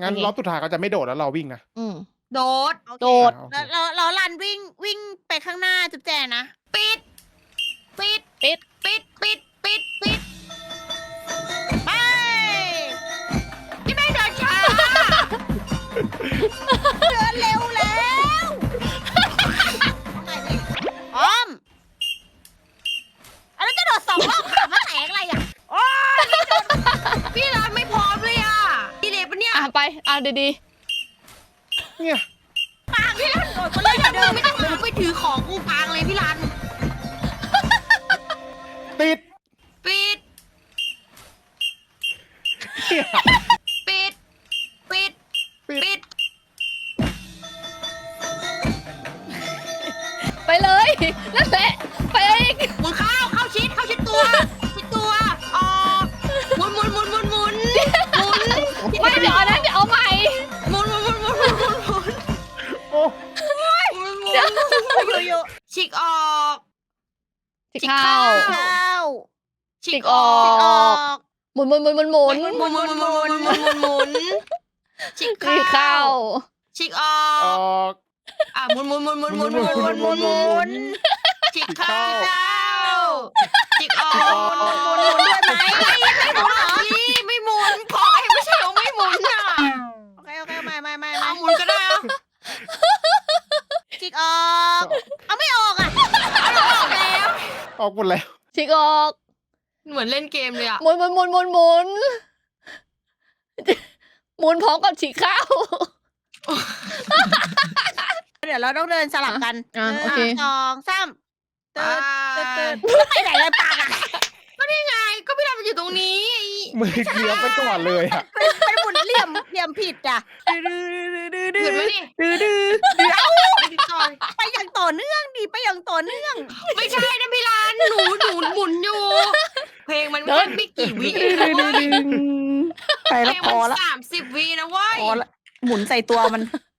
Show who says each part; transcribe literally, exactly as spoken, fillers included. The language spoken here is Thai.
Speaker 1: งั้นรอบสุดท้ายเขาจะไม่โดดแล้วเราวิ่งนะ
Speaker 2: อืม
Speaker 3: โดด
Speaker 1: โอเค
Speaker 2: โดด
Speaker 1: อ่ะโอเค
Speaker 4: แล้วเราเราลันวิ่งวิ่งไปข้างหน้าจุ๊บแจนะ
Speaker 3: ปิด ปิด
Speaker 2: ปิด
Speaker 3: ปิด ปิด ปิด ปิด
Speaker 4: ไป
Speaker 3: พี่แม่งเดินช้า
Speaker 4: เดินเร็วแล้วพร้อมอันนั้นจะโดดสองรอบขามาแตกอะไรอ่ะโอ้ย
Speaker 3: พี่รันไม่พร้อมเลยอ่ะดีเลยปะเนี่ย
Speaker 2: อ่ะไปอ่ะดี
Speaker 1: เนี่ย
Speaker 4: ปางพี่ลันโดดคน
Speaker 3: เฮ้
Speaker 4: เล่
Speaker 3: ย
Speaker 4: น
Speaker 3: ถ้า
Speaker 4: เดิ
Speaker 3: มึง
Speaker 4: ม
Speaker 3: ไม่ต้องมึงไปถือของกูกลางเลยพี่รัน
Speaker 1: ติด
Speaker 3: ปิด
Speaker 1: เนี่ย
Speaker 3: ปิด ปิด
Speaker 1: ปิด
Speaker 3: ปิด
Speaker 2: ๆ ไปเลยนั่นแหละไปอีก
Speaker 3: หมุนเข้าเข้าชิดเข้าชิดตัวชิดตัวออกหมุนหมุนหมุนหมุนหมุนหมุน
Speaker 2: ไม่เดี๋ยวอันนั้นเดี๋ยวเอาใหม่
Speaker 3: หมุนหมุนหมุนหมุนหมุนหมุนหมุน
Speaker 1: โอ้
Speaker 3: หมุน
Speaker 4: อยู่อยู่
Speaker 3: ฉีกออก
Speaker 2: จิก
Speaker 3: จิก
Speaker 2: เข้า
Speaker 3: เข้า
Speaker 4: เข้า
Speaker 3: ฉีก
Speaker 2: อ
Speaker 3: อ
Speaker 2: อ
Speaker 3: อก
Speaker 4: ออก
Speaker 2: หมุนหมุนหมุนหมุนหมุน
Speaker 3: หมุนหมุนหมุนหมุนหมุนหมุนหมุนฉีก
Speaker 2: จิก
Speaker 3: เข้า
Speaker 2: เข้า
Speaker 3: ฉีกออ
Speaker 1: อก อก
Speaker 3: อ่ะหมุนหมุนหมุนหมุนหมุนหมุนห
Speaker 1: หมุ
Speaker 3: มุ
Speaker 1: น
Speaker 3: น
Speaker 1: ห
Speaker 3: ห
Speaker 1: มุ
Speaker 3: มุ
Speaker 1: น
Speaker 3: น
Speaker 1: หมุนหมุน
Speaker 3: ฉีกเข้าฉีกออ
Speaker 4: หมุนหมุนหมุน
Speaker 3: ก
Speaker 4: ด้วยไหมไม่หมุนเหรอ
Speaker 3: พี่ไม่หมุนขอให้ไม่ใช่เราไม่หมุนอ่ะ
Speaker 4: โอเคโอเคไม่ไม่ไม่
Speaker 3: เอา
Speaker 4: ไม่
Speaker 3: หมุนก็ได้เอา
Speaker 4: จิกออกเอาไม่ออกอ่ะ
Speaker 3: ออกแล้ว
Speaker 1: ออกหมดแล้ว
Speaker 2: จิกออก
Speaker 3: เหมือนเล่นเกมเลยอ่ะ
Speaker 2: หมุนหมุนหมุนหมุนหมุนหมุนพร้อมกับฉีกเข้า
Speaker 4: เดี๋ยวเราต้องเดินสลับกัน
Speaker 2: อ่ะ
Speaker 4: หนึ่ง
Speaker 2: โอเค
Speaker 4: สองสามตื่น
Speaker 3: ไป
Speaker 4: ตื่นตื่นไปไหนเลยปากอ่ะ
Speaker 3: ไงก็พี่ดำมันอยู่ตรงนี้
Speaker 1: มือเลี้ยวไปก่อนเลยอ่ะ
Speaker 4: ไปหมุนเหลี่ยมเหลี่ยมผิดอ่ะ
Speaker 3: หยุดไหมดิ
Speaker 4: ดื้อดื้อ
Speaker 3: ไปดิจอย
Speaker 4: ไปอย่างต่อเนื่องดิไปอย่างต่อเนื่อง
Speaker 3: ไม่ใช่นะพี่ลานหนูหนูหมุนอยู่ เพลงมันไม่ไม่กี่วิเองนะเว้ย
Speaker 4: ไป
Speaker 3: เพ
Speaker 4: แล้ว
Speaker 3: ลง
Speaker 4: พอ
Speaker 3: มัน
Speaker 4: ละ
Speaker 3: สามสิบวินะเว้ย
Speaker 4: พอละหมุนใส่ตัวมัน